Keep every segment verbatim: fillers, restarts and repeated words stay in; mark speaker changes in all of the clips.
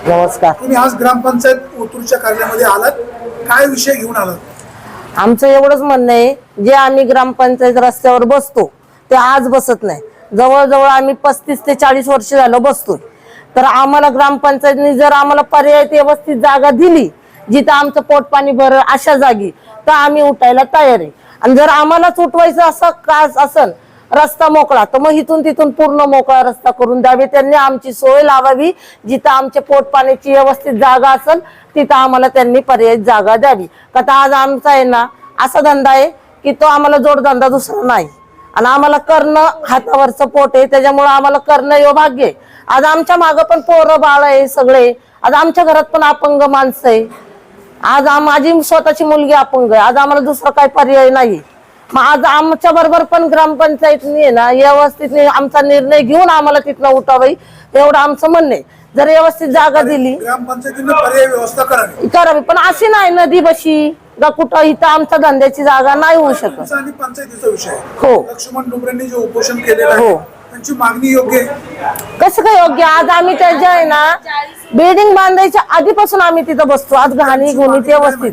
Speaker 1: नमस्कार.
Speaker 2: तुम्ही आज ग्रामपंचायत ओतूरच्या कार्यालयामध्ये आलात, काय विषय घेऊन आलात?
Speaker 1: आमचं एवढंच म्हणणं आहे, जे आम्ही ग्रामपंचायत रस्त्यावर बसतो ते आज बसत नाही. जवळजवळ आम्ही पस्तीस ते चाळीस वर्ष झालं बसतोय. तर आम्हाला ग्रामपंचायतने जर आम्हाला पर्याय व्यवस्थित जागा दिली जिथं आमचं पोट पाणी भर अशा जागी, तर आम्ही उठायला तयार आहे. आणि जर आम्हालाच उठवायचं असं कास असेल रस्ता मोकळा, तर मग इथून तिथून पूर्ण मोकळा रस्ता करून द्यावे. त्यांनी आमची सोय लावावी. जिथं आमच्या पोट पाण्याची व्यवस्थित जागा असेल तिथं आम्हाला त्यांनी पर्याय जागा द्यावी. का आज आमचा आहे ना असा धंदा आहे की तो आम्हाला जोडधंदा दुसरा नाही. आणि आम्हाला करणं हातावरचं पोट आहे, त्याच्यामुळे आम्हाला करणं हे भाग्य आहे. आज आमच्या मागं पण पोरं बाळ आहे सगळे. आज आमच्या घरात पण अपंग माणसं आहे. आज माझी स्वतःची मुलगी अपंग आहे. आज आम्हाला दुसरा काही पर्याय नाही. मग आज आमच्या बरोबर पण ग्रामपंचायतने ना व्यवस्थित आमचा निर्णय घेऊन आम्हाला तिथनं उठावी एवढं आमचं म्हणणं आहे. जर व्यवस्थित जागा दिली
Speaker 2: ग्रामपंचायतीने पर्याय व्यवस्था करावी
Speaker 1: करावी पण अशी नाही नदी बशी का कुठं इथं आमच्या धंद्याची जागा नाही होऊ शकत.
Speaker 2: आणि पंचायतीचा विषय
Speaker 1: हो.
Speaker 2: लक्ष्मण डोंगरेंनी जे उपोषण केलेलं आहे
Speaker 1: हो.
Speaker 2: त्यांची मागणी योग्य आहे?
Speaker 1: कसं काय योग्य? आज आम्ही त्याच्या आहे ना बिल्डिंग बांधायच्या आधीपासून आम्ही तिथं बसतो. आज घाणी गुणी व्यवस्थित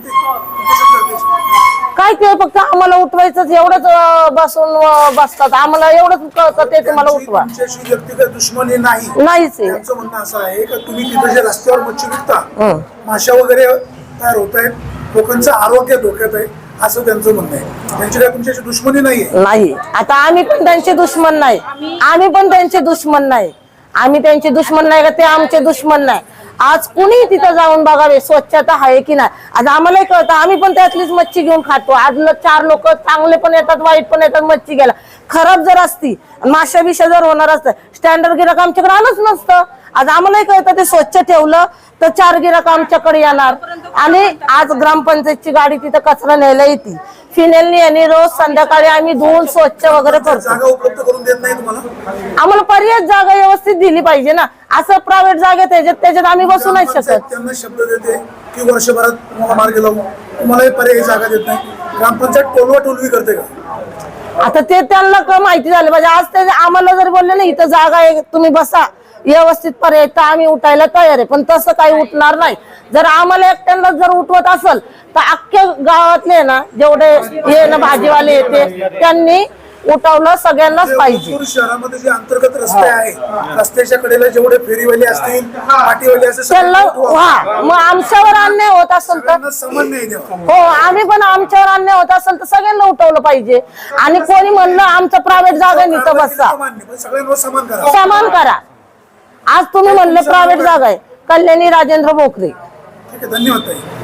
Speaker 1: काय ते फक्त आम्हाला उठवायचं एवढंच बसून बसतात. आम्हाला एवढंच कळतं ते तुम्हाला उठवा.
Speaker 2: व्यक्तिगत दुश्मनी नाही
Speaker 1: नाहीच आहे.
Speaker 2: त्यांचं म्हणणं असं आहे की तुम्ही तिथे जे रस्त्यावर मच्छी विकता, माशा वगैरे तयार होत आहेत, लोकांचं आरोग्य धोक्यात आहे असं त्यांचं म्हणणं आहे. त्यांची काय तुमच्याशी दुश्मनी नाहीये?
Speaker 1: नाही. आता आम्ही पण त्यांचे दुश्मन नाही. आम्ही पण त्यांचे दुश्मन नाही. आम्ही त्यांचे दुश्मन नाही का ते आमचे दुश्मन नाही. आज कुणी तिथं जाऊन बघावे स्वच्छता आहे की नाही. आज आम्हालाही कळतं, आम्ही पण त्यातलीच मच्छी घेऊन खातो. आज चार लोक चांगले पण येतात वाईट पण येतात मच्छी घ्यायला. खराब जर असती माशा बिशा जर होणार असतं स्टँडर्ड गिराक आमच्याकडे आलंच नसतं. आज आम्हालाही कळतं ते स्वच्छ ठेवलं तर चार गिराक आमच्याकडे येणार. आणि आज ग्रामपंचायतची गाडी तिथं कचरा न्यायला येते. फिनेलनी आणि रोज संध्याकाळी आम्ही धुवून स्वच्छ वगैरे करतो.
Speaker 2: जागा उपलब्ध करून देत नाही तुम्हाला?
Speaker 1: आम्हाला पर्याय जागा व्यवस्थित दिली पाहिजे ना. असं प्रायव्हेट जागेत त्याच्यात त्याच्यात आम्ही बसू नाही शकत.
Speaker 2: त्यांना शब्द देते की वर्षभरात तुम्हाला मार्ग लावू, तुम्हाला पर्यायी जागा देत नाही. ग्रामपंचायत टोलवा टोलवी करते का?
Speaker 1: आता ते त्यांना का माहिती झालं पाहिजे. आज ते आम्हाला जर बोलले ना इथं जागा आहे तुम्ही बसा व्यवस्थित पर्याय, तर आम्ही उठायला तयार आहे. पण तसं काही उठणार नाही. जर आम्हाला एकट्यांना जर उठवत असेल तर अख्ख्या गावातले ना जेवढे हे ना भाजीवाले येते त्यांनी उठवलं सगळ्यांनाच पाहिजे.
Speaker 2: शहरामध्ये जे अंतर्गत रस्ते आहे, रस्त्याच्या कडेला जेवढे फेरीवाले असतील, पाटीवाले असतील,
Speaker 1: त्यांना हा मग आमच्यावर अन्याय होत असेल तर
Speaker 2: समान नाही द्यावा.
Speaker 1: हो, आम्ही पण आमच्यावर अन्याय होत असेल तर सगळ्यांना उठवलं पाहिजे. आणि कोणी म्हणलं आमचं प्रायव्हेट जागा निघतं बसा,
Speaker 2: सगळ्यांना समान करा.
Speaker 1: समान करा. आज तुम्ही म्हणलं प्रायव्हेट जागा आहे, कल्याणी राजेंद्र भोकरे.
Speaker 2: ठीक आहे, धन्यवाद ताई.